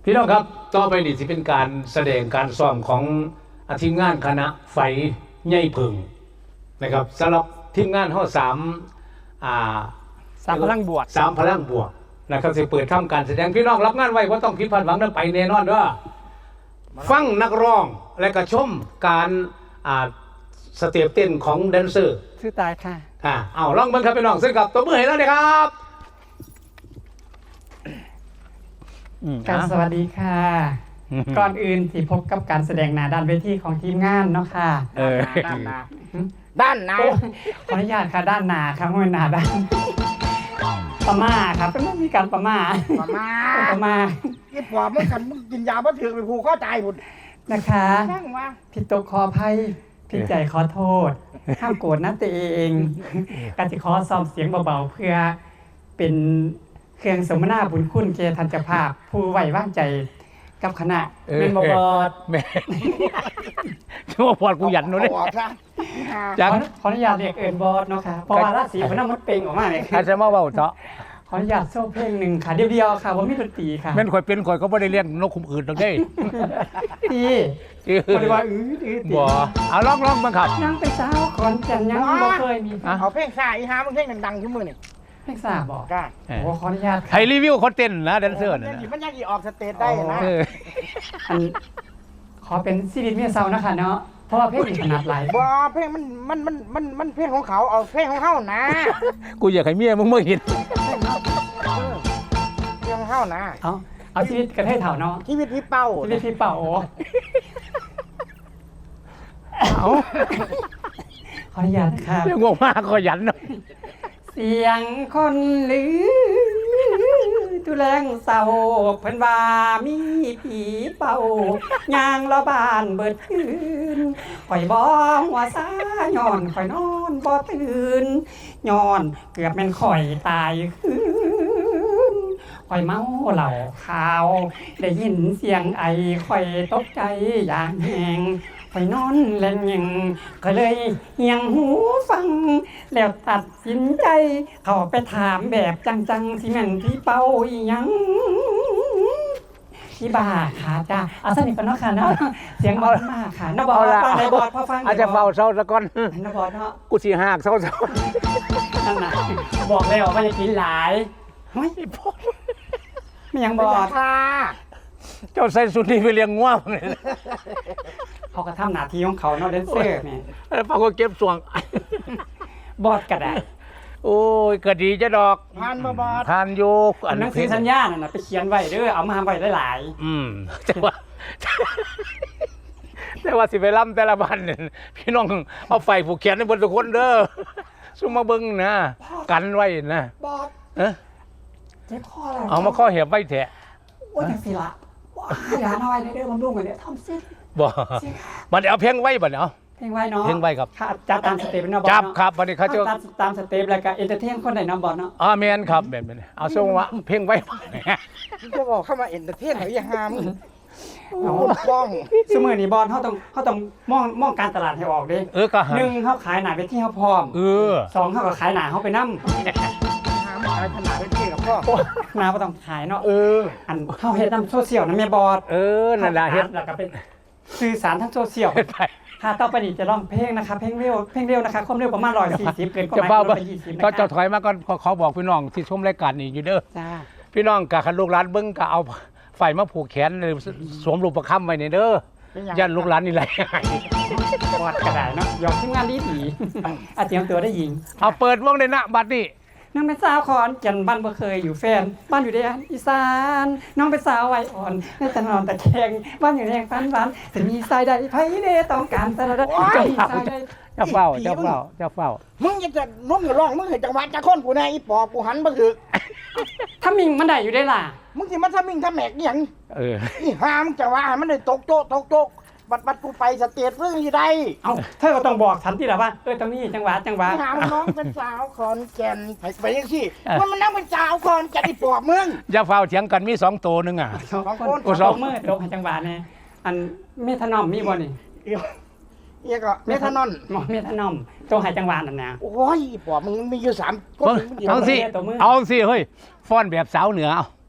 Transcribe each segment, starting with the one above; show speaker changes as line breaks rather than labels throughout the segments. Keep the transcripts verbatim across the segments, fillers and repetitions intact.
พี่น้องครับต่อไปนี่สิเป็นการแสดงการซ้อมของทีมงานคณะไฟใหญ่เพิงนะครับสำหรับทีมงานห้อสามอ่า
สามพลังบวก
สามพลังบวกนะครับจะเปิดทำการแสดงพี่น้องรับงานไว้ว่าต้องคิดผ่านหวังนั้นไปแน่นอนว่าฟังนักร้องและก็ชมการอ่าสเต็ปเต้นของแดนเซอร์
ชื่อตายค่ะ
อ่าเอาลองเบิ่งครับพี่น้องซึ่งกับตัวมือให้แล้วนะครับ
การสวัสดีค่ะก่อนอื่นที่พบกับการแสดงหน้าด้านเวทีของทีมงานเนาะค่ะ
ด้านหน้าด้านหน้า
ขออนุญาตค่ะด้านหน้าครับไม่หน้าด้านประมาครับเป็นไม่มีการประมา
ประมา
ประมา
ไอ้ปอบมึงขันมึงกินยาบ่ถือไปผูกข้อตายหมด
นะคะ
ช่างว่า
ผิดตกขออภัยผิดใจขอโทษห้ามโกรธนะตัวเองการจะขอซ้อมเสียงเบาๆเพื่อเป็นเครื่องสมนาบุญคุณเกทันจภาพผู้ไหวว่างใจกับคณะเป็นบอด
แม่ชั่วพอดกูหยันนู้นเลย
จังขออนุญาตเรียกเอิญบอดเนาะค่ะเพราะว่าราศีมันน้ำมันเป่งออกมาเลย
อาจจะมาเบาเจาะ
ขออนุญาตโซ่เพลงหนึ่งค่ะเดียวๆค่ะว่ามีดนตรีค่ะ
แม่นข่อยเป็นข่อยก็ไม่ได้เลี้ยงนกขุมอื่นตรงนี้
ตีบริวารอื้อตี
บ่เอาลองลองบ้างครับ
ยังเป็นสาวคนจันยังบ่เคยมี
เอาเพลงซ่าอีหามึงเพลงดังๆขึ้นมือนี่
เพลงซ่าบอก
ก้า
โอ้ขออนุญาต
ให้รีวิวคนเต้นนะแดนเซอร์
นะมันยังอีออกสเตจได้นะ
อันขอเป็นซีรีส์เมียเซานะคะเนาะเพราะว่าเพลงมีขนาดหลาย
บ่เพลงมันมันมันมันมันเพลงของเขาเอาเพลงของเฮานะ
กูอยากให้เมียมึงมาเห็น
เพลงของเฮานะ
เอาเอาชีวิตกระเทยเถ่าเนาะ
ชีวิตพี่เป้า
ชีวิตพี่เป้าโอ้เอาขออนุญาตครับ
เรื่องงงมากขอยันหน่อย
เสียงคนลือตุแรงเศร้าเพิ่นว่ามีผีเป่ายางละบานเบิดคืนข่อยบ่หัวซาย้อนข่อยนอนบ่ตื่นย้อนเกือบแม่นข่อยตายคืนข่อยเมาเหล้าขาวได้ยินเสียงไอข่อยตกใจอย่างแหงข่อยนอนเล่นยังก็เลยเหียงหูฟังแล้วตัดสินใจเข้าไปถามแบบจังๆสิแม่นพี่เป้าอีหยังพี่บ้าค่ะจ้าเอาสนิทกันเนาะค่ะเนาะเสียงบอดมากค่ะนบอดฟังในบอดพอฟัง
อาจจะเบาเศร้าซะก่อน
นบอดเนาะ
กูสิหักเศร้าซะ
นั่นน่ะบอกแล้วว่าจะกินหลายเฮ้ยไม่ยังบอด
ค่ะ
เจ้าใส่สุดนี้ไปเลี้ยงง่วงเลย
เขาก็ทำหน้าที่ของเขาเนาะแดนเซอร์นี่
แล้วฟังก็เก็บส่วง
บอดก็ได้
โอ้ยก็ดีจะดอก
ผ่านบ่บอด
ผ่านโยก
อันหนังสือสัญญาน่ะไปเขียนไว้เด้อเอามาไว้หลาย
ๆอืมแต่ว่าแต่ว่าสิไปล่ำแต่ละวันเนี่ยพี่น้องเอาไฟผูกแขนให้บนทุกคนเด้อซุ่มมาเบิ่งนะกันไว้นะ
บอด
เอ๊ะ
เจ็บคอ
เอามาข้อเหียบไว้แทะ
โอ้ยจังสิล่ะอย่าน้อยเด้อบำรุงกันเนี่ยทำเส้น
บ่มันเอาเพลงไว้บ่เนาะ
เพลงไว้เนาะ
เพลงไว้ครับ
จับตามสเต็ปเนาะบอส
จับครับวันนี้เขาจะ
ตามสเต็ปแล้วก็เอนเตอร์เทนคนไหนน้องบอสเนาะ
อ่าแมนครับแบบนี้เอาส่งว่าเพลงไว้
จะบอกเข้ามาเอนเตอร์เทนเขาอย่าห้ามเอาบ้อง
สมือนี่บอสเขาต้องเขาต้องมองมองการตลาดให้ออกดิ
เออก็
หนึ่งเขาขายหนาไปที่เขาพร้อม
เออ
สองเขาก็ขายหนาเขาไปนั่ม
ขายขนาดเป็นที่กับพ่อ
หนาก็ต้องขายเนาะ
เออ
อันเขาเฮ็ดน้ำโซเชียลนะแม่บอส
เออนั่นแหละเฮ็ด
แล้วก็เป็นสื่อสารทั้งโซเชียลค่ะต่อไปนี้จะร้องเพลงนะคะเพลงเร็วเพลงเร็วนะคะความเร็วประมาณร้อยสี่สิบเกินกว่า
ไปยี่สิบนะคะก็จะถอยมาก่อนขอบอกพี่น้องที่ชมรายการนี้อยู่เด้อพี่น้องกะคันลูกหลานเบิ้งกะเอาไฟมาผูกแขนสวมรูปประคำไว้ในเด้อยันลูกหลานนี่ไร
บอดกระดาษเนาะยอมทีมงานดีดีอาเตรียมตัวได้ยิง
เอาเปิดวงเลยนะบัดนี้
น้องเป็นสาวขอนแก่นบ้านบ่เคยอยู่แฟนบ้านอยู่ในอีสานน้องเป็นสาววัยอ่อนในตะนอนตะแคงบ้านอยู่ในแห่งฟันฟันจะมีสายใดไผเดต้องการแต่ละจะมีสายใด
เจ้าเฝ้าเจ้าเฝ้าเจ้าเฝ้า
มึงจะนุ่มกับร้องมึงเห็นจังหวะจะค้นกูแน่อีปอบกูหันมาถือ
ถ้ามิงมันได้อยู่ได้ล่ะ
มึงสิมาถ้ามิงถ้าแหมกอย่าง
เออ
อีหามจังหวะมันได้ตกโจ๊กตกโจ๊กบัดบัดกูไปสเตจเรื่องยี่ใด
เอาเธอก็ต้องบอกฉันที่ละว่าเออตรงนี้จังหวะจังหวะ
ถามน้องเป็นสาวคอนแก่นไปยังสิมันมันนั่งเป็นสาวคอนแก่นที่ปอบมึง
อย่าเฝ้าเถียงกันมีสองตัวนึงอ่ะ
สองคนสองมือตกจังหวะเนี่ยอันเมทานอมมีบ่นี่
เอียก็เมทานอน
เมทานอมตัวหายจังหวะนั่นนะ
โอ้ยปอบมึงมีอยู่สาม
เอาสิเอาสิเฮ้ยฟ้อนแบบสาวเหนือเอา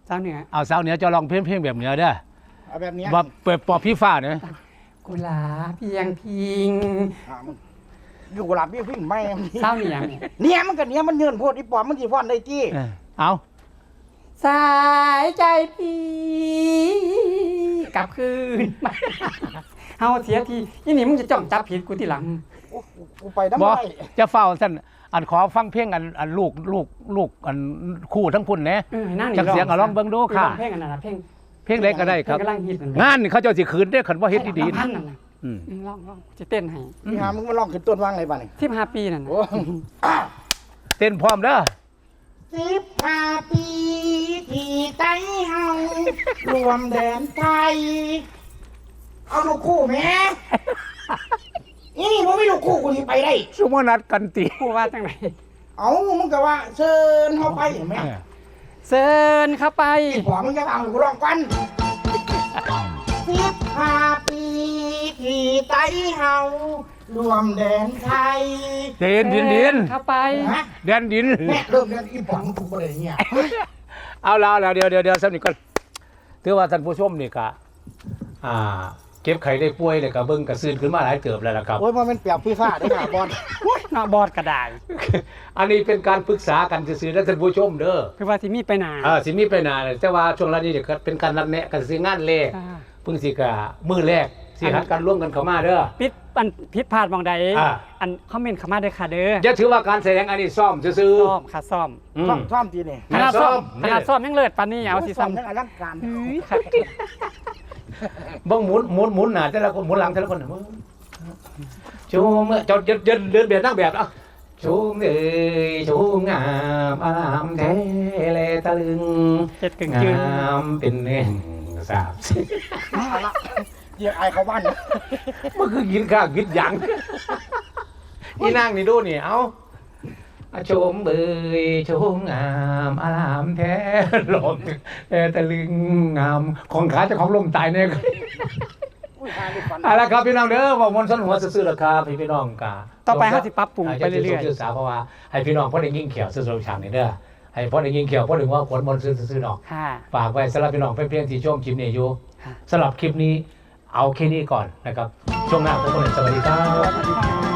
สาวเหนือ
เอาสาวเหนือจะลองเพลงเพลงแบบเหนือเด้อ
เอาแบบเนี้ย
ว่าเปิดปอบพี่ฟ้าเนี่ย
กุหลาบเพียงพิง
ถามอยู่กับหลับพี่พี่ไม่
สาวเหนือเนี่ย
เนี่ยมันก็เนี่ยมันเนินโพดอีปอมมันสิฟ้อนได้จี้
เออเอา
สายใจพี่กลับคืนมาเฮาเสียทียี่นี่มึงจะจ้องจับผิดกูทีหลัง
โอ้กูไปน้ำ
บอ
ไร
จะเฝ้าสั้นอันขอฟังเพลงอันอันลูกลูกลูกอันคู่ทั้งพุ่นเนี่ย
เออนั่ง
จักเสียงก็ลองเบิ่งดูค่ะ
เพลงอันนั้นน่ะเพลง
เพลงเล็กก็ได้ครับ
เพลงกำลังฮิตนั่น
งานนี่เขาเจ้าสิคืนได้อคันว่าเฮ็ดดีๆ
พั
นะ
นนั่นน่ะ
อืม
อืมลองลองจะเต้นให้
พี่หามึงมาลองขึ้นต้นว่างเลยบ้านี่
สิบห้าปีนั่นน่ะ
โอ้
เต้นพร้อมเด้อ
สิบห้าปีที่ใจเฮารวมแดนไทย เอาลูกคู่แม่นี่นี่ผมไม่ลูกคู่กูที่ไปได้
ซุมนัดกันติ
กูว่าจังไหน
เอามึงก็ว่าเชิญเขาไปเห็นไหม
เออ
เซินเข้าไป
อีผัวมึงจะเอากูลองกันสิบห้าปีที่ใจเฮารวมแดนไทย
เดินดินดิน
เข้าไป
ฮะ
เดินดิน
แม่เริ่มเรียนอีผัวมึงถูกประเด็นเนี่ย
เอาแล้วแล้วเดี๋ยวเดี๋ยวเดี๋ยวสักนิดก่อนถือว่าท่านผู้ชมนี่ก็อ่า เก็บไข่ได้ป่วยเลยก็เบิ่งกระซืนขึ้นมาหลายเติบแล้วล่ะครับ
โอ้ยมันเป็นเปียกพี่ฟ้าได้ค่ะบอล
นอกบอดกระดาษ
อันนี้เป็นการปรึกษากันซื่อๆนะท่านผู้ชมเด้อ
คือว่าสิมีไปหนา
เออสิมีไปหนาเลยแต่ว่าช่วงนี้เดี๋ยวก็เป็นการนัดแนะกันสิงานแรก
อ่า
เพิ่งสิกะมื้อแรกสิหัดกันร่วมกันเข้ามาเด้อ
ปิดอันผิดพลาดบางใด
อ่า
อันคอมเมนต์เข้ามาเด้อค่ะเด้อ
อย่าถือว่าการแสดงอันนี้ซ่อมซื่อ
ซ่อมค่ะซ่อม
ๆอืม
ซ่อมซ่อมทีนี่
ขนาดซ่อม
ซ่อม
ขนาดซ่อมยังเลิศปานนี้เอาสิ
ซ่อ
ซ้ำ
มยังอลังการ
เฮ้ยค่ะ
เบิ่งหมุนหมุนหมุนหน้าแต่ละคนหมุนหลังแต่ละคนน่ะมึงชูมเจ้าเดินเดินเดินแบบนั่งแบบเอ่ะชูมเอ้ยชูมงามอารามแท้แลตะลึง
เจ็ดกึ่งจืน
งามเป็นแห่งสาบสิ
เอาละเดี๋ยวไอายเขาบ้านนะ
มันคือกินข้าวกินหยังนี่นั่งนี่ดูนี่เอาอะชมเบยชมงามอารามแท้ลมแต่ตะลึงงามของขาเจะของลมตายเนี่ย
อุ้ยหาลูกฟัน
เอาละครับพี่น้องเด้อบอกมนต์สนหัวซื่อๆราคาพี่พี่น้องกา
ต่อไปเขาสิปรับปรุงไปเรื่อย
ๆศึกษาเพราะว่าให้พี่น้องพ่อได้ยิ่งเขียวซื่อๆฉากนี้เด้อให้พ่อได้ยิ่งเขียวพ่อถึงว่าขนมนต์ซื่อๆดอก
ๆค่ะ
ฝากไว้สำหรับพี่น้องเพื่อนๆที่ชมคลิปนี้อยู่
ค่ะ
สำหรับคลิปนี้เอาแค่นี้ก่อนนะครับช่วงหน้าพบกันใหม่สวัสดีครับ
สวัสดีค่ะ